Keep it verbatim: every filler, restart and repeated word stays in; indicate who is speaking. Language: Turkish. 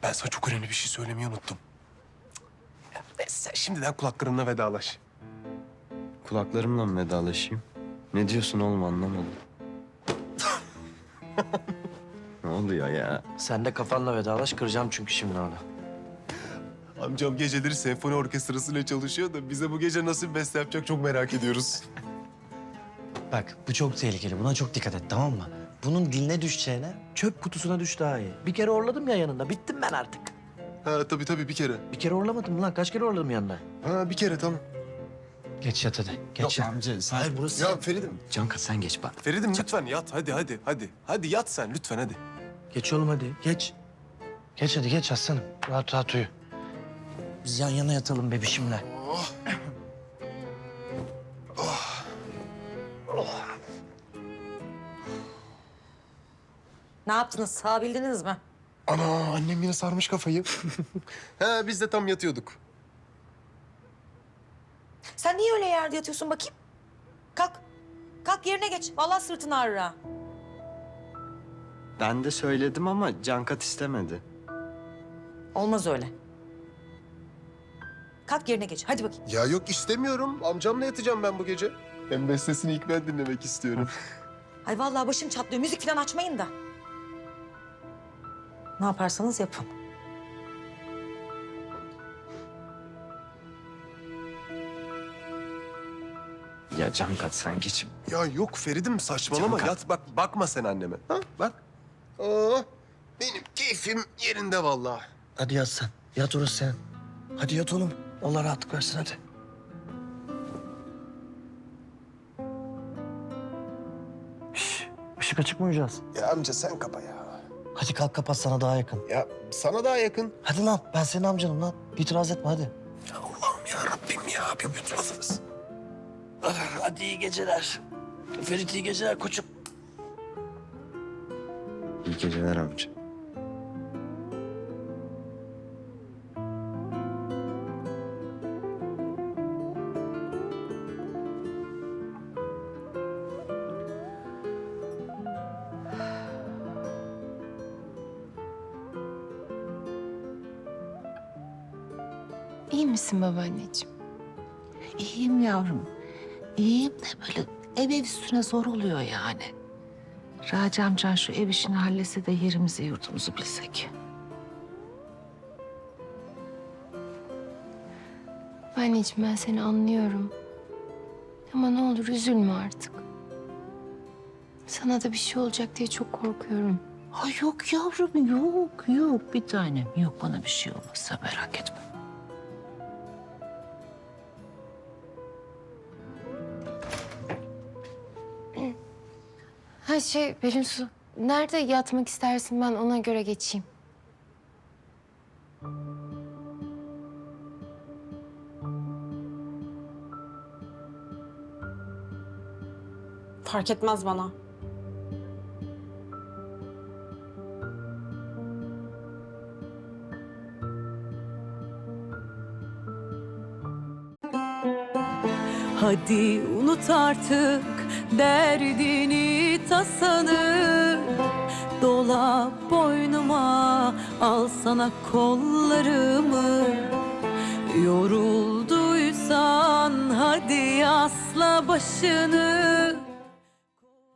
Speaker 1: Ben sana çok önemli bir şey söylemeyi unuttum. Ya, neyse, sen şimdiden kulaklarımla vedalaş.
Speaker 2: Kulaklarımla mı vedalaşayım? Ne diyorsun oğlum, anlamadım. Ne oluyor ya?
Speaker 3: Sen de kafanla vedalaş, kıracağım çünkü şimdi onu.
Speaker 1: Amcam geceleri senfoni orkestrasıyla çalışıyor da bize bu gece nasıl bir beste yapacak çok merak ediyoruz.
Speaker 3: Bak bu çok tehlikeli. Buna çok dikkat et, tamam mı? Bunun diline düşeceğine çöp kutusuna düş daha iyi. Bir kere orladım ya yanında. Bittim ben artık.
Speaker 1: Ha tabii tabii bir kere.
Speaker 3: Bir kere orlamadım lan. Kaç kere orladım yanında?
Speaker 1: Ha bir kere tamam.
Speaker 3: Geç yat hadi. Geç
Speaker 2: Yok
Speaker 3: yat.
Speaker 2: amca sen...
Speaker 3: Hayır burası...
Speaker 1: Ya Ferid'im.
Speaker 2: Canka sen geç bak.
Speaker 1: Ferid'im lütfen yat hadi hadi hadi. Hadi yat sen lütfen hadi.
Speaker 3: Geç oğlum hadi. Geç. Geç hadi geç aslanım. Rahat rahat uyu. Biz yan yana yatalım bebişimle.
Speaker 4: Ne yaptınız? Sığabildiniz mi?
Speaker 1: Ana annem yine sarmış kafayı. ha biz de tam yatıyorduk.
Speaker 4: Sen niye öyle yerde yatıyorsun bakayım? Kalk. Kalk yerine geç. Vallahi sırtın ağrır ha.
Speaker 2: Ben de söyledim ama Cankat istemedi.
Speaker 4: Olmaz öyle. Kalk yerine geç. Hadi bakayım.
Speaker 1: Ya yok istemiyorum. Amcamla yatacağım ben bu gece. Hem bestesini ilk ben dinlemek istiyorum.
Speaker 4: Ay vallahi başım çatlıyor. Müzik falan açmayın da. Ne yaparsanız yapın.
Speaker 2: Ya Cankat sen geç.
Speaker 1: ya yok Ferid'im saçmalama.
Speaker 2: Canka.
Speaker 1: Yat bak bakma sen anneme. Ha bak. Aa, benim keyfim yerinde vallahi.
Speaker 3: Hadi yat sen. Yat orası sen. Hadi yat oğlum. Allah rahatlık versin hadi. Şş, ışık açık mı uyuyacağız?
Speaker 1: Ya amca sen kapa ya.
Speaker 3: Hadi kalk kapat, sana daha yakın.
Speaker 1: Ya sana daha yakın.
Speaker 3: Hadi lan, ben senin amcanım lan. İtiraz etme hadi.
Speaker 1: Ya Allah'ım ya Rabbim ya bir yutmadınız.
Speaker 3: Hadi iyi geceler. Ferit iyi geceler koçum.
Speaker 2: İyi geceler amca.
Speaker 5: İyi misin babaanneciğim?
Speaker 6: İyiyim yavrum. İyiyim de böyle ev ev üstüne zor oluyor yani. Raci amcan şu ev işini halletse de yerimizi yurdumuzu bilsek.
Speaker 5: Babaanneciğim ben seni anlıyorum. Ama ne olur üzülme artık. Sana da bir şey olacak diye çok korkuyorum.
Speaker 6: Ha yok yavrum yok yok bir tanem yok bana bir şey olmazsa merak etme.
Speaker 5: Ha şey Pelinsu, nerede yatmak istersin, ben ona göre geçeyim.
Speaker 7: Fark etmez bana.
Speaker 8: Hadi unut artık derdini tasanı, dola boynuma al sana kollarımı. Yorulduysan hadi asla başını,